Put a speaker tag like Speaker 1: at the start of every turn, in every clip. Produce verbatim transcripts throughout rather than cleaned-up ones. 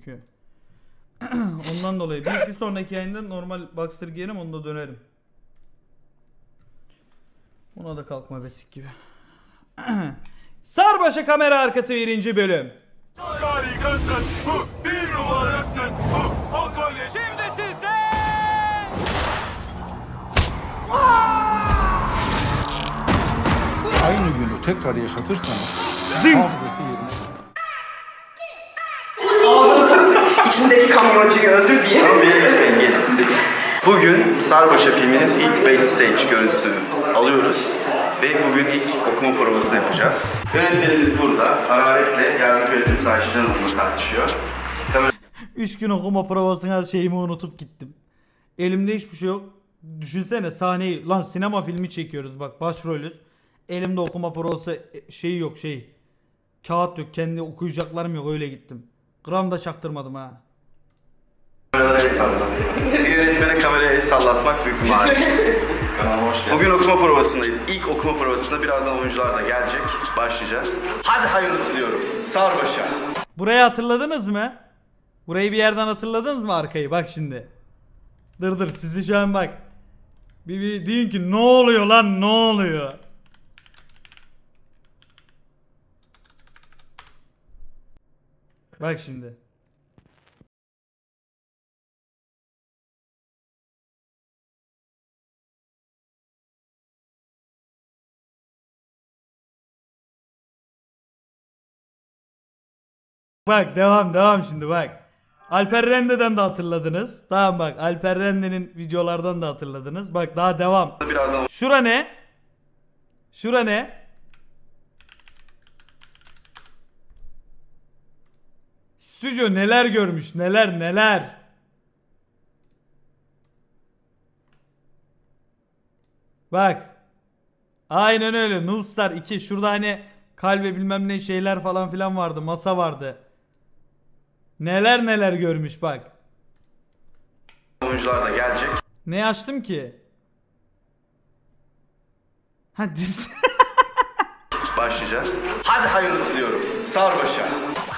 Speaker 1: çünkü. Ondan dolayı bir, bir sonraki yayında normal boxer giyerim, onda dönerim. Buna da kalkma besik gibi. Sarbaşa kamera arkası birinci bölüm.
Speaker 2: Harikasın, bu bir numarasın, bu o kolye. Şimdi size...
Speaker 3: Aynı günü tekrar yaşatırsanız hafızası yerine.
Speaker 4: İçindeki kamyoncuyu öldür diye.
Speaker 5: Tamam, bir yere gitmeyin, gelin. Bugün Sarbaşa filminin ilk backstage görüntüsünü alıyoruz. Ve bugün ilk okuma provasını yapacağız. Yönetmenimiz burada. Hararetle yardımcı yönetmenimiz Ayşe Hanım'la tartışıyor. Kamera...
Speaker 1: Üç gün okuma provasına şeyimi unutup gittim. Elimde hiçbir şey yok. Düşünsene sahneyi, lan sinema filmi çekiyoruz bak, başrolüz. Elimde okuma provası şeyi yok, şey. Kağıt yok, kendi okuyacaklarım yok, öyle gittim. Gram da çaktırmadım ha.
Speaker 5: Kameralara el sallatmak. Bir yönetmene kameraya el sallatmak büyük bir marifet. Bugün okuma provasındayız. İlk okuma provasında birazdan oyuncular da gelecek. Başlayacağız. Hadi hayırlısı diyorum. Sarbaşa.
Speaker 1: Burayı hatırladınız mı? Burayı bir yerden hatırladınız mı arkayı? Bak şimdi. Dır dır sizi şu an bak. Bir, bir deyin ki ne oluyor lan, ne oluyor? Bak şimdi. Bak devam devam şimdi bak. Alper Rende'den de hatırladınız. Tamam bak, Alper Rende'nin videolardan da hatırladınız. Bak daha devam.
Speaker 5: Birazdan
Speaker 1: Şura ne? Şura ne? Stüdyo neler görmüş, neler neler. Bak. Aynen öyle. Noobstar iki. Şurada hani kalbe bilmem ne şeyler falan filan vardı. Masa vardı. Neler neler görmüş bak.
Speaker 5: oyuncular da gelecek.
Speaker 1: Ne açtım ki? Ha dizi.
Speaker 5: Başlayacağız. Hadi hayırlısı diyorum. Sarbaşa.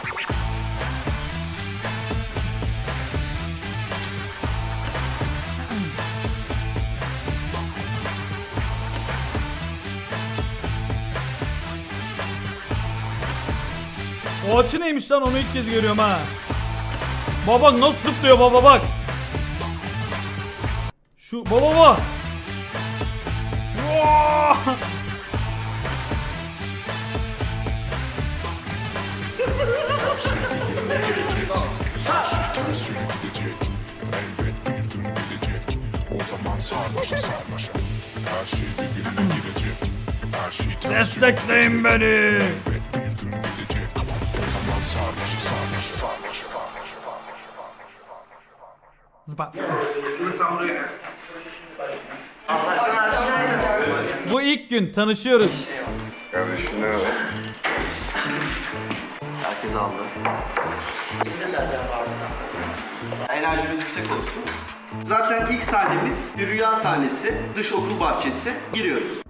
Speaker 1: O açı neymiş lan, onu ilk kez görüyorum ha. Baba nasıl zıplıyor baba bak. Şu baba baba. Vaa! Destekleyin beni. Zıpa. Bu ilk gün tanışıyoruz.
Speaker 5: Kardeşim ne var? Herkes aldı. Enerjimiz yüksek olsun. Zaten ilk sahnemiz bir rüya sahnesi. Dış okul bahçesi. Giriyoruz.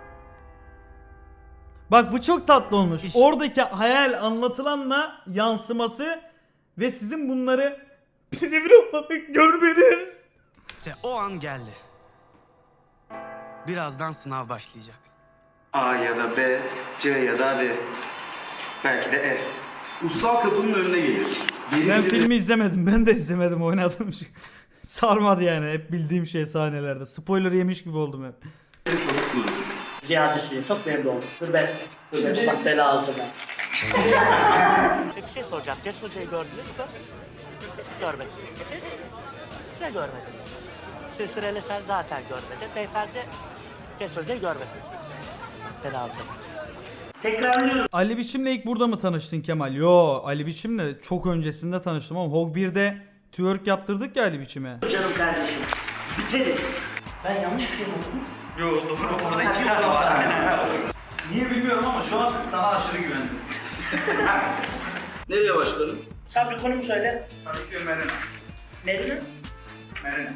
Speaker 1: Bak bu çok tatlı olmuş. Oradaki hayal anlatılanla yansıması ve sizin bunları birebir olarak görmeniz.
Speaker 6: İşte o an geldi. Birazdan sınav başlayacak.
Speaker 5: A ya da B, C ya da D. Belki de E. Ussal kapının önüne gelir. Yeni
Speaker 1: Ben
Speaker 5: biri-
Speaker 1: filmi izlemedim. Ben de izlemedim, oynadım. Sarmadı yani, hep bildiğim şey sahnelerde. Spoiler yemiş gibi oldum hep.
Speaker 5: Sanık durur.
Speaker 7: Ziyade Süleyman, çok memnun oldum. Dur ben, dur ben, bak bela aldım ben.
Speaker 8: Bir şey soracağım. Cesur Hoca'yı gördünüz mü? Görmedim. Siz? Siz de görmediniz. Sülsüreli sen zaten görmedin. Beyefendi Cesur Hoca'yı görmedi. Bela aldım.
Speaker 7: Tekrarlıyorum.
Speaker 1: Ali Biçim'le ilk burada mı tanıştın Kemal? Yo, Ali Biçim'le çok öncesinde tanıştım ama Hog birde twerk yaptırdık ya Ali Biçim'e.
Speaker 7: Canım kardeşim, biteriz. Ben yanlış bir şey mi okudum?
Speaker 4: Yok doğru, orada iki tane var.
Speaker 1: Niye bilmiyorum ama şu an sana aşırı güvendim.
Speaker 5: Nereye başlayalım?
Speaker 7: Sen bir konumu söyle.
Speaker 4: Tabii ki Merina.
Speaker 7: Nerede?
Speaker 4: Merina.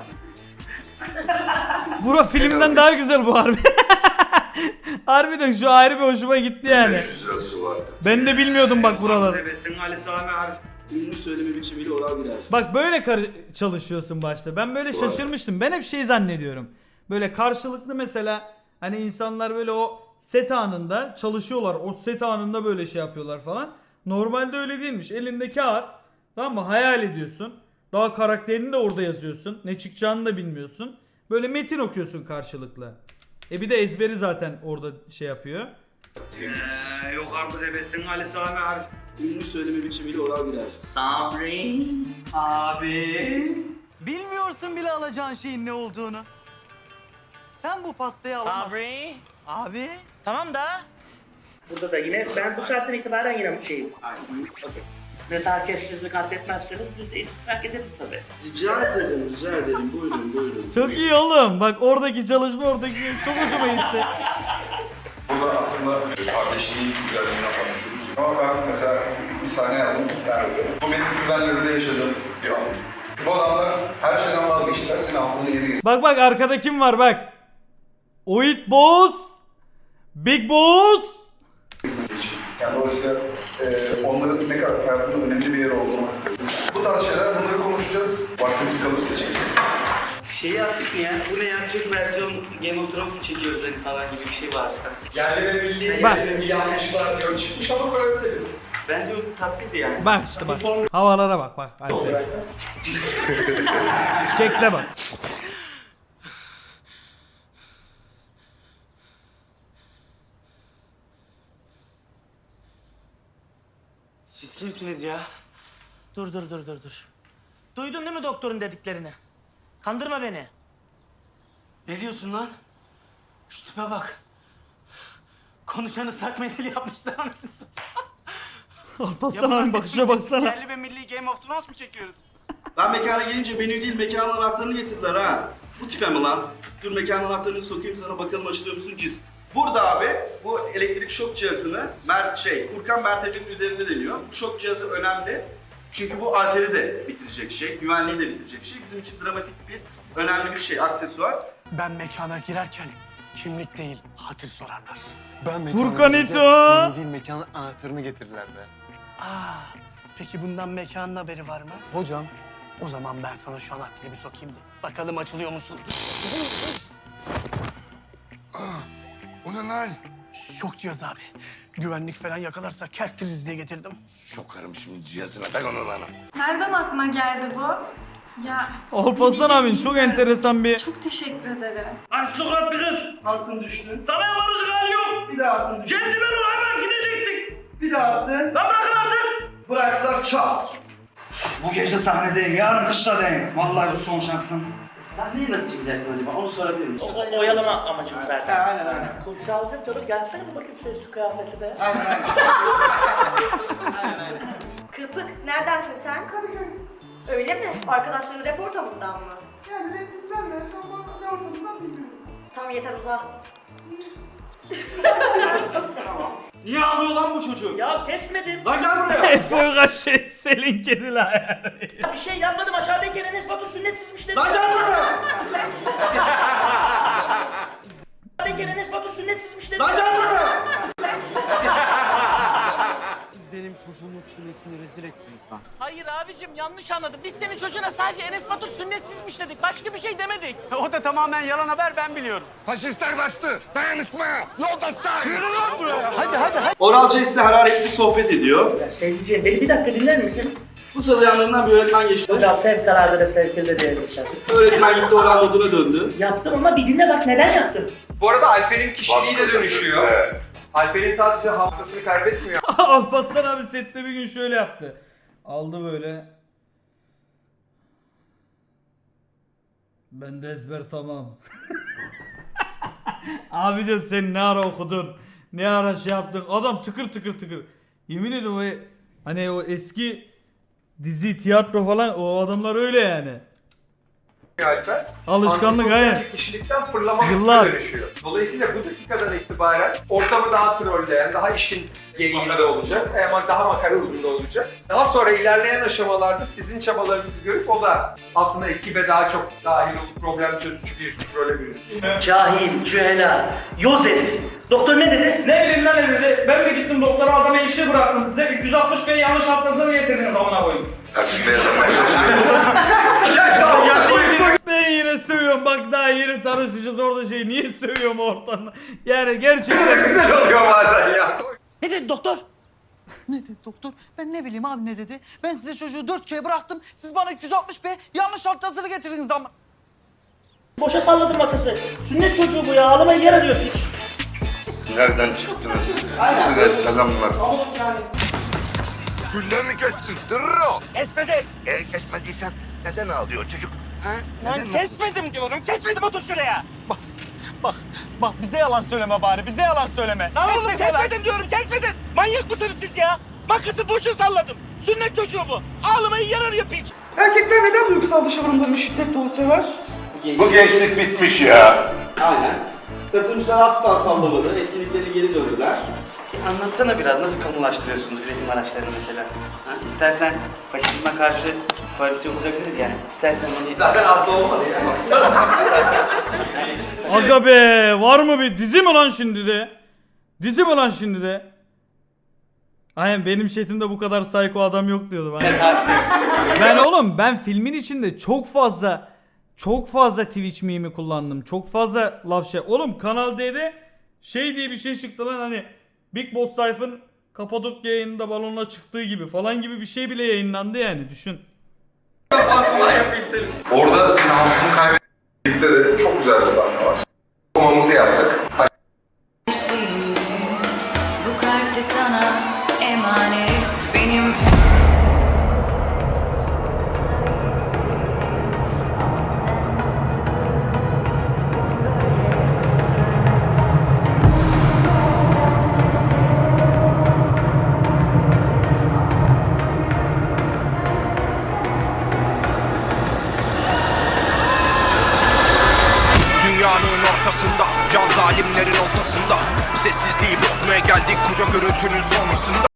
Speaker 1: Bura filmden daha güzel bu harbi. Harbiden şu ayrı bir hoşuma gitti yani.
Speaker 2: beş yüz lirası vardı.
Speaker 1: Ben de bilmiyordum bak buraları.
Speaker 4: Bebesin Ali Sami abi.
Speaker 5: ünlü söyleme biçimiyle oral gider.
Speaker 1: Bak böyle kar- çalışıyorsun başta. Ben böyle şaşırmıştım. Ben hep şey zannediyorum. Böyle karşılıklı mesela hani insanlar böyle o set anında çalışıyorlar. O set anında böyle şey yapıyorlar falan. Normalde öyle değilmiş. Elinde kağıt, tamam mı? Hayal ediyorsun. Daha karakterini de orada yazıyorsun. Ne çıkacağını da bilmiyorsun. Böyle metin okuyorsun karşılıklı. E bir de ezberi zaten orada şey yapıyor.
Speaker 4: Ee, yok artık ebesin Ali Sami abi.
Speaker 5: Ünlü söyleme biçimiyle oral gider.
Speaker 4: Sabri abi.
Speaker 6: Bilmiyorsun bile alacağın şeyin ne olduğunu. Sen bu pastayı alamazsın.
Speaker 8: Sabri.
Speaker 6: Abi.
Speaker 8: Tamam da.
Speaker 7: Burada da yine ben bu saatten itibaren yine bu şeyim. Okey. Nezaketsizlik affetmezseniz biz de istisnak ederiz tabii.
Speaker 5: Rica ederim, rica ederim. Buyurun, buyurun.
Speaker 1: Çok iyi oğlum. Bak oradaki çalışma oradaki çok hoşuma gitti.
Speaker 3: Burada aslında kardeşliğin güzelliğinden bahsediyoruz. Ama ben mesela bir sahne yazdım, sen öyle. Bu benim kuzenlerimde yaşadığım bir an. Bu adamlar her şeyden vazgeçtiler, senin altını yeri getirdiler.
Speaker 1: Bak bak arkada kim var bak. Oit Boss. Big Boss.
Speaker 3: Yani dolayısıyla e, onların ne kadar hayatında önemli bir yer olduğunu. Bu tarz şeyler, bunları konuşacağız. Vaktimiz kalırsa çekeceğiz.
Speaker 4: Şey yaptık mı ya? Bu ne ya? Türk versiyon Game of Thrones mu çekiyoruz hani falan gibi bir şey vardı sanki.
Speaker 3: Yerli ve milli,
Speaker 1: Bak.
Speaker 3: yerli ve milli yanlışlar yok çıkmış ama koyabiliriz.
Speaker 4: Bence o tatlıydı yani.
Speaker 1: Bak işte bak. Havalara bak bak. Alper. Şekle bak.
Speaker 8: Siz kimsiniz ya? Dur dur dur dur dur. Duydun değil mi doktorun dediklerini? Kandırma beni.
Speaker 6: Ne diyorsun lan? Şu tipe bak. Konuşanı sak mendil yapmışlar anasını satayım.
Speaker 1: Alparslan abi bakışa baksana.
Speaker 6: Yerli ve milli Game of Thrones mu çekiyoruz?
Speaker 5: Ben mekana gelince menü değil, mekanın anahtarını getirdiler ha. Bu tipe mi lan? Dur mekanın anahtarını sokayım sana, bakalım açılıyor musun cis. Burada abi bu elektrik şok cihazını Mert şey Furkan Mertefe'nin üzerinde deniyor. Bu şok cihazı önemli. Çünkü bu arteri de bitirecek şey, güvenliği de bitirecek şey. Bizim için dramatik bir, önemli bir şey, aksesuar.
Speaker 6: Ben mekana girerken kimlik değil, hatır sorarlar.
Speaker 9: Ben
Speaker 1: Furkan
Speaker 9: gelince
Speaker 1: İto.
Speaker 9: beni değil mekanın anahtarını getirdiler be.
Speaker 6: Aa, peki bundan mekanın haberi var mı?
Speaker 9: Hocam.
Speaker 6: O zaman ben sana şu anahtarı bir sokayım da. Bakalım açılıyor musun?
Speaker 9: O ne lan?
Speaker 6: Şok cihazı abi. Güvenlik falan yakalarsa kertiriz diye getirdim.
Speaker 9: Şokarım şimdi cihazına ben onu lan.
Speaker 10: Nereden aklına geldi bu? Ya
Speaker 1: Alparslan abin çok enteresan bir...
Speaker 10: çok teşekkür ederim.
Speaker 4: Aristokrat bir kız.
Speaker 5: Altın düştü.
Speaker 4: Sana yaparıcı hali yok.
Speaker 5: Bir daha altın düştü.
Speaker 4: Centilmen ol hemen gideceksin.
Speaker 5: Bir daha attın.
Speaker 4: Lan bırakın artık.
Speaker 5: Bıraktılar çat.
Speaker 4: Bu gece sahnedeyim, yarın kışladayım. Vallahi bu son şansın.
Speaker 7: Sahneye nasıl çıkacaksın acaba? Onu sorabilir miyim?
Speaker 8: O, o oyalama amacım zaten.
Speaker 5: Aynen aynen.
Speaker 8: Kumsalcım canım gelsene bir bakayım senin şu kıyafeti be.
Speaker 5: Aynen aynen.
Speaker 10: Kırpık, neredensin sen? Öyle mi? Arkadaşların rap ortamından mı?
Speaker 5: Yani ben de ama ne ortamından bilmiyorum.
Speaker 10: Tamam yeter uza.
Speaker 5: Niye ağlıyor lan bu çocuk?
Speaker 8: Ya kesmedim.
Speaker 5: Lan gel buraya.
Speaker 1: Efe Uygaş şey Selin kediler yani.
Speaker 8: Bir şey yapmadım aşağıdaki Enes Batur sünnet çizmiş dedim.
Speaker 5: Lan gel buraya.
Speaker 8: Aşağıdaki Enes Batur sünnet çizmiş dedim.
Speaker 5: Lan gel buraya.
Speaker 9: Siz benim çocuğumun sünnetini rezil ettiniz lan.
Speaker 8: Hayır abicim yanlış anladın. Biz senin çocuğuna sadece Enes Batur sünnet çizmiş dedik. Başka bir şey demedik.
Speaker 6: O da tamamen yalan haber ben biliyorum.
Speaker 9: Faşistler kaçtı. Dayanışmaya. Yoldaşlar. Yürü lan buraya.
Speaker 6: Hadi hadi hadi.
Speaker 5: Oral Jazz'le hararetli sohbet ediyor.
Speaker 7: Ya sevdiceğim beni bir dakika dinler misin?
Speaker 5: Bu sırada yanlarından bir öğretmen geçti.
Speaker 7: Hocam fevkalade de fevkalade değerli.
Speaker 5: Öğretmen gitti oral moduna döndü.
Speaker 7: Yaptım ama bir dinle bak neden yaptım?
Speaker 11: Bu arada Alper'in kişiliği de dönüşüyor. Alper'in sadece hafızasını kaybetmiyor.
Speaker 1: Alparslan abi sette bir gün şöyle yaptı. Aldı böyle. Ben de ezber tamam. Abi diyorum sen ne ara okudun? Ne ara şey yaptın? Adam tıkır tıkır tıkır. Yemin ediyorum o hani o eski dizi, tiyatro falan o adamlar öyle yani.
Speaker 11: Alper.
Speaker 1: Alışkanlık,
Speaker 11: Antisosyal
Speaker 1: aynen.
Speaker 11: bir kişilikten fırlama
Speaker 1: Yıllar.
Speaker 11: Yıllar. dönüşüyor. Dolayısıyla bu dakikadan itibaren ortamı daha trolleyen, daha işin geyiğinde olacak, ama daha makarasında olacak. Daha sonra ilerleyen aşamalarda sizin çabalarınızı görüp o da aslında ekibe daha çok dahil olup problem çözücü bir role bürünür.
Speaker 4: Cahil, cühela, yoz herif. Doktor ne dedi?
Speaker 6: Ne bileyim lan ne dedi? Ben de gittim doktora adama işi bıraktım size. üç yüz altmış B'yi yanlış atlasını getirdiniz amına koyayım.
Speaker 3: Kardeşim beyaz ama
Speaker 1: Ben yine sövüyorum bak daha yeni tanışmışız orada şey niye sövüyorum ortamda. Yani gerçekten
Speaker 11: Güzel oluyor bazen ya.
Speaker 8: Ne dedi doktor?
Speaker 6: Ne dedi doktor? Ben ne bileyim abi ne dedi? Ben size çocuğu dört K'ye bıraktım. Siz bana üç yüz altmış B yanlış alt yazılı getirdiniz ama.
Speaker 7: Boşa salladım makası. Sünnet çocuğu bu ya. Ağlamayı yer arıyor piç.
Speaker 9: Nereden çıktınız? Size selamlar. Gülle mi kestin? Sırrı.
Speaker 8: Kesmedim.
Speaker 9: E kesmediysen neden ağlıyor çocuk? Ha?
Speaker 8: Lan
Speaker 9: Neden
Speaker 8: kesmedim diyorum. Kesmedim, otur şuraya.
Speaker 6: Bak, bak, bak bize yalan söyleme bari. Bize yalan söyleme.
Speaker 8: Lan oğlum kesmedim diyorum, kesmedim. Manyak mısınız siz ya? Makası boşa salladım. Sünnet çocuğu bu. Ağlamayı yer arıyor piç.
Speaker 6: Erkekler neden duygusal dışavurumlarını şiddet dolu sever?
Speaker 9: Bu gençlik bitmiş ya.
Speaker 4: Aynen. Katılımcılar asla sallamadı. Etkinlikleri geri döndüler. E, anlatsana biraz nasıl kamulaştırıyorsunuz üretim araçlarını mesela? Ha? İstersen faşizme karşı koalisyon kurabiliriz yani. İstersen hani...
Speaker 11: Zaten az da olmadı ya.
Speaker 1: aga be var mı bir dizi mi lan şimdi de? Dizi mi lan şimdi de? Aynen benim chatimde bu kadar psycho adam yok diyordum. Aynen. Ben oğlum ben filmin içinde çok fazla çok fazla Twitch mimi kullandım. Çok fazla laf şey. Oğlum Kanal D'de şey diye bir şey çıktı lan hani Big Boss Sayf'ın Kapadokya yayınında balonla çıktığı gibi falan gibi bir şey bile yayınlandı yani düşün.
Speaker 3: orada Samsun'u kaybettikte de çok güzel bir sahne var.
Speaker 11: Okumamızı yaptık.
Speaker 10: Bu kalp de sana emanet benim.
Speaker 9: Dünyanın ortasında, can zalimlerin ortasında. Sessizliği bozmaya geldik koca gürültünün sonrasında.